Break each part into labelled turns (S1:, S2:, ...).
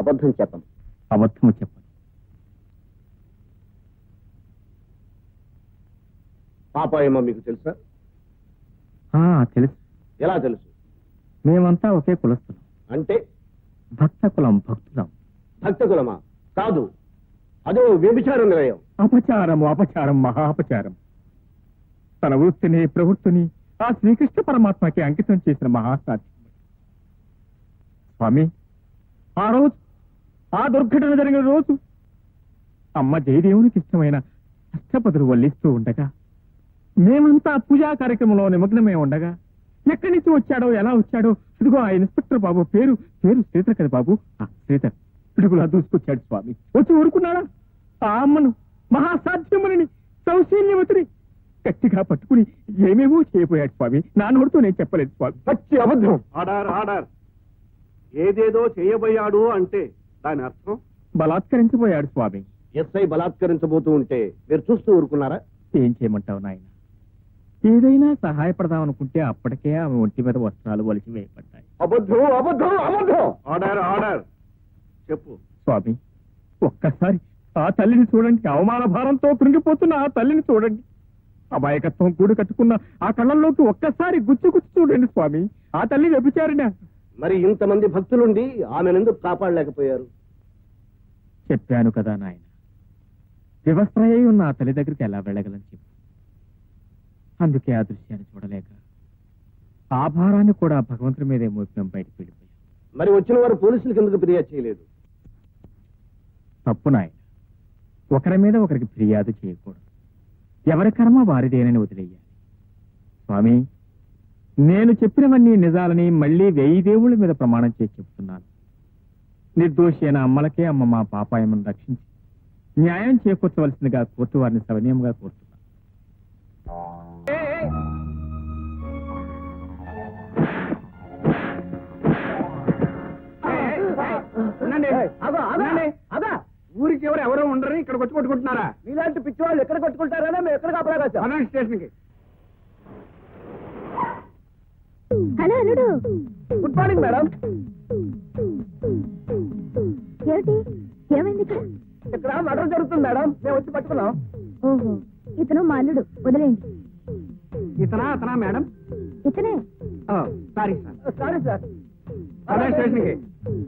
S1: అబద్ధం చెప్పను.
S2: అబద్ధము చెప్పను.
S1: పాపాయమ్మ మీకు తెలుసా?
S2: తెలుసు.
S1: ఎలా తెలుసు?
S2: మేమంతా ఒకే కులస్తులం.
S1: అంటే?
S2: భక్త కులం, భక్తులం.
S1: భక్త కులమా? కాదు, అదో వ్యభిచార నిలయం.
S2: అపచారము, అపచారం, మహాపచారం. తన వృత్తిని, ప్రవృత్తిని ఆ శ్రీకృష్ణ పరమాత్మకి అంకితం చేసిన మహాసాధ్యం. స్వామి, ఆ రోజు, ఆ దుర్ఘటన జరిగిన రోజు అమ్మ జయదేవునికి ఇష్టమైన అష్టపదులు వల్లిస్తూ ఉండగా, మేమంతా పూజా కార్యక్రమంలో నిమగ్నమై ఉండగా, ఎక్కడి నుంచి వచ్చాడో, ఎలా వచ్చాడో, ఇదిగో ఆ ఇన్స్పెక్టర్ బాబు పేరు శ్రీధర్ కదా బాబు, శ్రీధర్ పిడుగులా దూసుకొచ్చాడు స్వామి. వచ్చి ఊరుకున్నాడా? ఆ అమ్మను, మహాసాధ్యముని, సౌశీల్యవతిని గట్టిగా పట్టుకుని ఏమేమో చేయబోయాడు స్వామి. నా నోటితో నేను చెప్పలేదు స్వామి.
S1: పచ్చి అబద్ధం.
S3: ఆర్డర్. ఏదేదో చేయబోయాడు అంటే దాని అర్థం?
S2: బలాత్కరించబోయాడు స్వామి.
S1: ఎస్ఐ బలాత్కరించబోతూ ఉంటే మీరు చూస్తూ ఊరుకున్నారా?
S2: ఏం చేయమంటావు నాయన? ఏదైనా సహాయపడదామనుకుంటే అప్పటికే ఆమె ఒంటి మీద వస్త్రాలు వలిసి వేయబడ్డాయి.
S1: అబద్ధం, అబద్ధం, అబద్ధం.
S3: ఆర్డర్ చెప్పు
S2: స్వామి, ఒక్కసారి ఆ తల్లిని చూడండి. అవమాన భారంతో కృంగిపోతున్న ఆ తల్లిని చూడండి. అమాయకత్వం కూడు కట్టుకున్న ఆ కళ్ళల్లోకి ఒక్కసారి గుచ్చి చూడండి స్వామి. ఆ తల్లి వ్యభిచారిణ.
S1: మరి ఇంతమంది భక్తులుండి ఆమెనెందుకు కాపాడలేకపోయారు?
S2: చెప్పాను కదా నాయన, వివస్త్రయ్య ఉన్న ఆ తల్లి దగ్గరికి ఎలా వెళ్ళగలని చెప్పు. అందుకే ఆ దృశ్యాన్ని చూడలేక ఆ భారాన్ని కూడా భగవంతుడి మీదే మోపినం బయటకు వెళ్ళిపోయాం.
S1: మరి వచ్చిన వారు పోలీసులకు ఎందుకు ఫిర్యాదు చేయలేదు?
S2: తప్పు నాయన, ఒకరి మీద ఒకరికి ఫిర్యాదు చేయకూడదు. ఎవరి కర్మ వారిదేనని వదిలేయాలి. స్వామి, నేను చెప్పినవన్నీ నిజాలని మళ్ళీ 1000 దేవుళ్ళ మీద ప్రమాణం చేసి చెప్తున్నాను. నిర్దోషి అయిన అమ్మలకే అమ్మ మా పాపాయమను రక్షించి న్యాయం చేకూర్చవలసిందిగా కోర్టు వారిని సవినయంగా కోరుతున్నాను.
S3: ఊరికి ఎవరు ఉండరు, ఇక్కడ వచ్చి కొట్టుకుంటున్నారా?
S1: ఇలాంటి పిచ్చి వాళ్ళు ఎక్కడ కొట్టుకుంటారనే మేము ఎక్కడ కాపలాగా
S3: స్టేషన్ కి.
S4: హలో అల్లుడు.
S1: Good morning madam.
S4: ఏమిటి, ఏమైంది ఇక్కడ?
S1: ఇక్కడ మర్డర్ జరుగుతుంది మేడం, మేము వచ్చి పట్టుకున్నాం.
S4: ఓహో, ఇతను మా అల్లుడు, వదిలేయండి.
S3: అతనా మేడం?
S4: ఇతనే.
S3: Sorry
S1: sir.
S3: స్టేషన్ కి.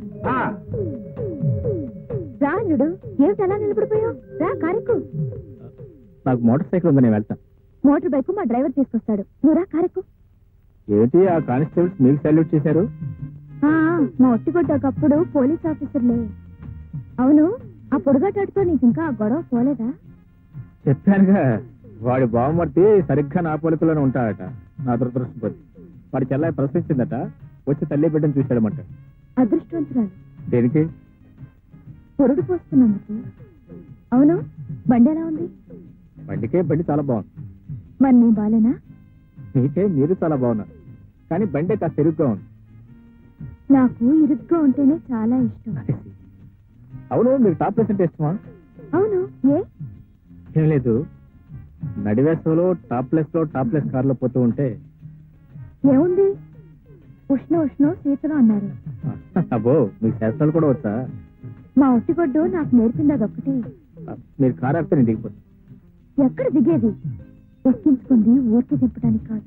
S4: రా అల్లుడు, ఏమిటి అలా నిలబడిపోయావు? రా, కారెక్కు.
S2: నాకు మోటార్ సైకిల్ ఉంది, నేను వెళ్తాను.
S4: మోటార్ బైక్ మా డ్రైవర్ తీసుకొస్తాడు, నువ్వు రా, కారెక్కు.
S2: ఏంటి ఆ కానిస్టేబుల్స్ మీకు సాల్యూట్ చేశారు?
S4: మా ఒట్టిగొట్టకప్పుడు పోలీస్ ఆఫీసర్లే. అవును, ఆ పొడుగాటాడుతో నీకు ఇంకా గొడవ పోలేదా?
S2: చెప్పానుగా, వాడి బావమర్తి సరిగ్గా నా పోలికలోనే ఉంటాడట. నా దురదృష్టం, వాడి చెల్లాయి ప్రశ్నించిందట, వచ్చి తల్లి బిడ్డను చూశాడమంట.
S4: అదృష్టవంతురాలు.
S2: దేనికి?
S4: పొరుడు పోస్తున్నందుకు. అవును, బండి ఎలా ఉంది?
S2: బండి చాలా బాగుంది.
S4: మరి నీ బాలేనా?
S2: మీరు చాలా బాగున్నారు, కానీ బండి కాస్త ఇరుగ్గా ఉంది.
S4: నాకు ఇరుగ్గా ఉంటేనే చాలా ఇష్టం.
S2: అవును, మీకు టాప్ ప్లేస్ అంటే ఇష్టమా?
S4: అవును,
S2: ఏం లేదు, నడివేసంలో టాప్ ప్లేస్ కార్లో పోతూ ఉంటే
S4: ఏముంది, ఉష్ణ శీతలం అన్నారు.
S2: అబ్బో, మీకు శాస్త్రాలు కూడా వచ్చా?
S4: మా ఒట్టిగొడ్డు నాకు నేర్పింది అదొక్కటి.
S2: మీరు కారు ఆపితే నేను దిగిపోతాను.
S4: ఎక్కడ దిగేది? ఎక్కించుకుంది ఊరికి తిప్పడానికి కాదు.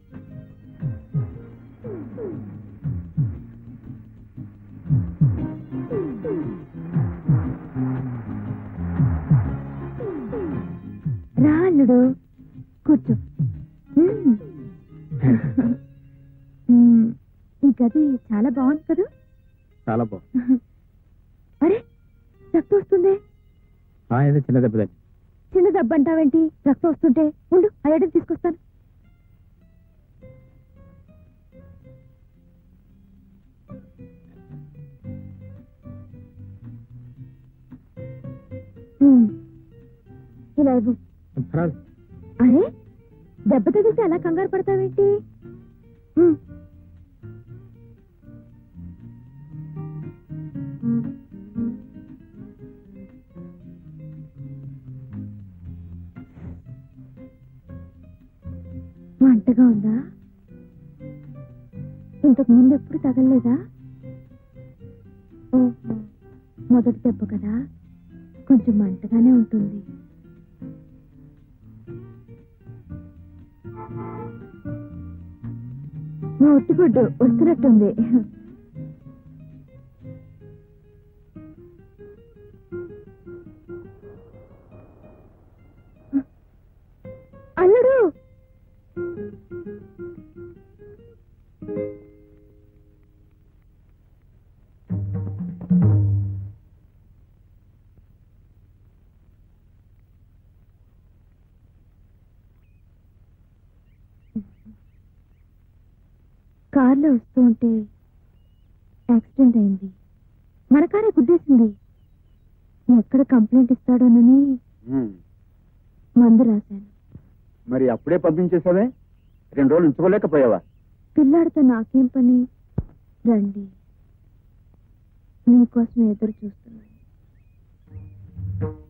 S4: రా అల్లుడు, కూర్చో. ఈ గది చాలా బాగుంది కదా?
S2: చాలా బాగుంది.
S4: అరే, రక్తం వస్తుంది.
S2: చిన్న దెబ్బ.
S4: చిన్న దెబ్బ అంటావేంటి? రక్తం వస్తుంటే ఉండు, ఆ ఎడని తీసుకొస్తాను. ఇలా ఇవ్వు. అరే, దెబ్బ తగిలితే అలా కంగారు పడతావేంటి? మంటగా ఉందా? ఇంతకు ముందు ఎప్పుడు తగలలేదా? ఓహో, మొదటి దెబ్బ కదా, కొంచెం మంటగానే ఉంటుంది. మా ఒట్టిగుడ్డు వస్తున్నట్టుంది. అల్లుడు, కార్లో వస్తూ ఉంటే యాక్సిడెంట్ అయింది. మన కారే గుద్దేసింది. ఎక్కడ కంప్లైంట్ ఇస్తాడోనని మందు రాశాను.
S1: మరి అప్పుడే పంపించేసావే, 2 రోజులు ఉంచుకోలేకపోయావా?
S4: పిల్లాడితో నాకేం పని? రండి, నీకోసం ఎదురు చూస్తున్నాను.